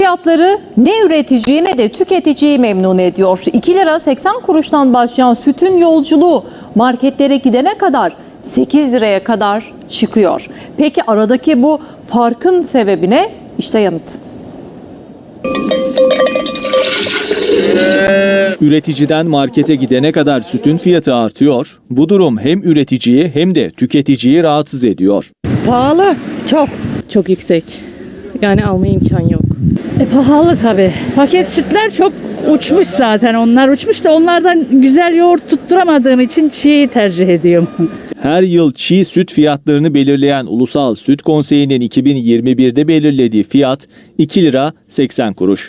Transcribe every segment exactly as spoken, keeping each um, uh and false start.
fiyatları ne üreticiyi ne de tüketiciyi memnun ediyor. iki lira seksen kuruştan başlayan sütün yolculuğu marketlere gidene kadar sekiz liraya kadar çıkıyor. Peki aradaki bu farkın sebebi ne? İşte yanıt. Üreticiden markete gidene kadar sütün fiyatı artıyor. Bu durum hem üreticiyi hem de tüketiciyi rahatsız ediyor. Pahalı, çok. Çok yüksek. Yani alma imkan yok. E, pahalı tabii. Paket sütler çok uçmuş zaten. Onlar uçmuş da onlardan güzel yoğurt tutturamadığım için çiğ tercih ediyorum. Her yıl çiğ süt fiyatlarını belirleyen Ulusal Süt Konseyi'nin iki bin yirmi birde belirlediği fiyat iki lira seksen kuruş.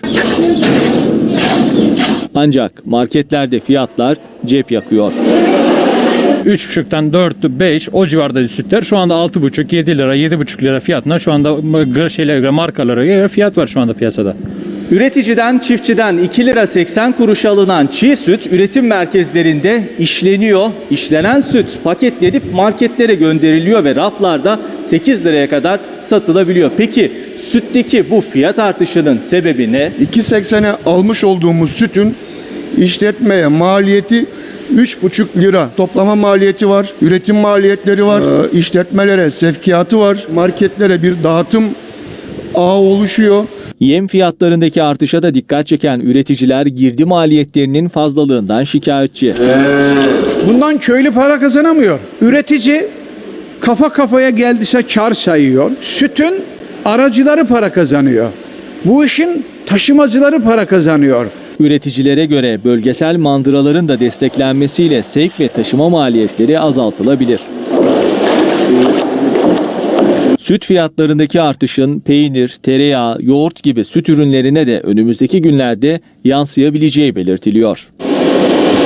Ancak marketlerde fiyatlar cep yakıyor. üç buçuktan dört, beş o civarda sütler şu anda altı buçuk, yedi lira, yedi buçuk lira fiyatına şu anda şeylere göre, markalara göre fiyat var şu anda piyasada. Üreticiden, çiftçiden iki lira seksen kuruş alınan çiğ süt üretim merkezlerinde işleniyor. İşlenen süt paketlenip marketlere gönderiliyor ve raflarda sekiz liraya kadar satılabiliyor. Peki sütteki bu fiyat artışının sebebi ne? iki seksene almış olduğumuz sütün işletmeye maliyeti üç buçuk lira. Toplama maliyeti var, üretim maliyetleri var, e, işletmelere sevkiyatı var, marketlere bir dağıtım ağı oluşuyor. Yem fiyatlarındaki artışa da dikkat çeken üreticiler girdi maliyetlerinin fazlalığından şikayetçi. Bundan köylü para kazanamıyor. Üretici kafa kafaya geldiyse kar sayıyor. Sütün aracıları para kazanıyor. Bu işin taşımacıları para kazanıyor. Üreticilere göre bölgesel mandıraların da desteklenmesiyle sevk ve taşıma maliyetleri azaltılabilir. Süt fiyatlarındaki artışın peynir, tereyağı, yoğurt gibi süt ürünlerine de önümüzdeki günlerde yansıyabileceği belirtiliyor.